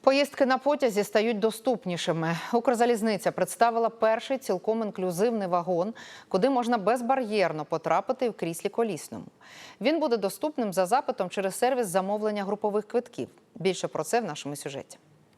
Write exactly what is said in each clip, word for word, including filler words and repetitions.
Поїздки на потязі стають доступнішими. Укрзалізниця представила перший цілком інклюзивний вагон, куди можна безбар'єрно потрапити в кріслі колісному. Він буде доступним за запитом через сервіс замовлення групових квитків. Більше про це в нашому сюжеті.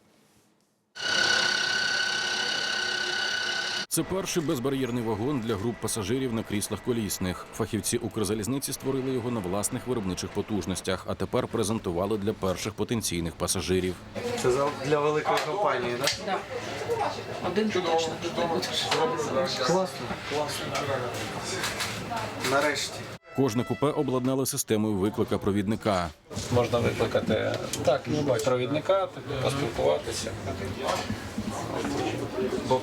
Це перший безбар'єрний вагон для груп пасажирів на кріслах колісних. Фахівці Укрзалізниці створили його на власних виробничих потужностях, а тепер презентували для перших потенційних пасажирів. Це для великої компанії, так? Так. Один ти точно тут будеш. Класно, класно. Нарешті. Кожне купе обладнали системою виклика провідника. Можна викликати так, провідника, поспілкуватися. Бо...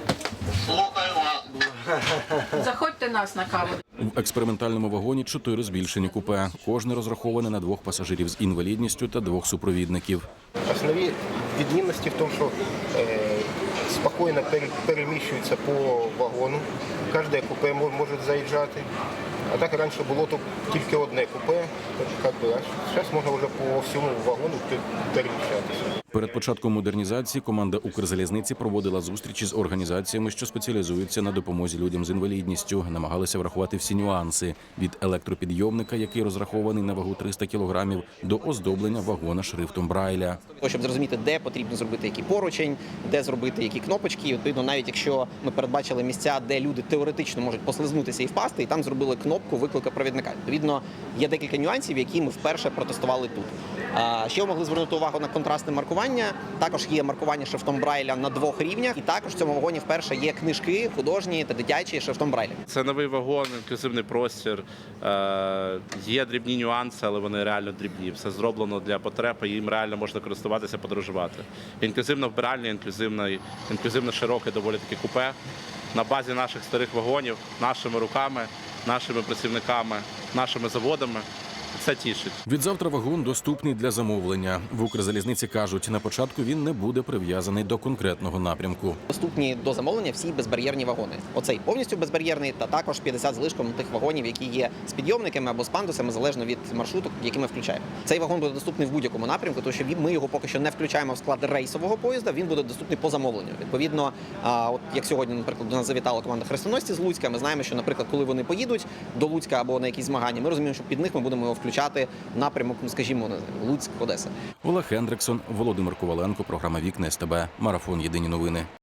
Заходьте нас на каву. В експериментальному вагоні чотири збільшені купе. Кожне розраховане на двох пасажирів з інвалідністю та двох супровідників. Основні відмінності в тому, що е, спокійно переміщуються по вагону. Кожне купе може заїжджати. А так раніше було тут тільки одне купе, а зараз можна вже по всьому вагону переміщатися. Перед початком модернізації команда Укрзалізниці проводила зустрічі з організаціями, що спеціалізуються на допомозі людям з інвалідністю. Намагалися врахувати всі нюанси – від електропідйомника, який розрахований на вагу триста кілограмів, до оздоблення вагона шрифтом Брайля. Щоб зрозуміти, де потрібно зробити який поручень, де зробити які кнопочки. Відповідно, навіть якщо ми передбачили місця, де люди теоретично можуть послизнутися і впасти, і там зробили кнопку виклика провідника. Відповідно, є декілька нюансів, які ми вперше протестували тут. Ще ми могли звернути увагу на контрастне маркування. Також є маркування шрифтом Брайля на двох рівнях. І також в цьому вагоні вперше є книжки художні та дитячі шрифтом Брайля. Це новий вагон, інклюзивний простір. Є дрібні нюанси, але вони реально дрібні. Все зроблено для потреб, і їм реально можна користуватися, подорожувати. Інклюзивна вбиральня, інклюзивне, інклюзивно широке доволі таки купе. На базі наших старих вагонів, нашими руками, нашими працівниками, нашими заводами. Це тішить. Відзавтра вагон доступний для замовлення. В Укрзалізниці кажуть, на початку він не буде прив'язаний до конкретного напрямку. Доступні до замовлення всі безбар'єрні вагони. Оцей повністю безбар'єрний та також п'ятдесят з лишком тих вагонів, які є з підйомниками або з пандусами, залежно від маршруту, які ми включаємо. Цей вагон буде доступний в будь-якому напрямку, тому що ми його поки що не включаємо в склад рейсового поїзда, він буде доступний по замовленню. Відповідно, от як сьогодні, наприклад, до нас завітала команда хрестоносці з Луцька, ми знаємо, що, наприклад, коли вони поїдуть до Луцька або на якісь змагання, ми розуміємо, що під них ми будемо його включати напрямок, ну, скажімо, Луцьк, Одеса. Олег Хендриксон, Володимир Коваленко, програма «Вікна СТБ», Марафон. Єдині новини.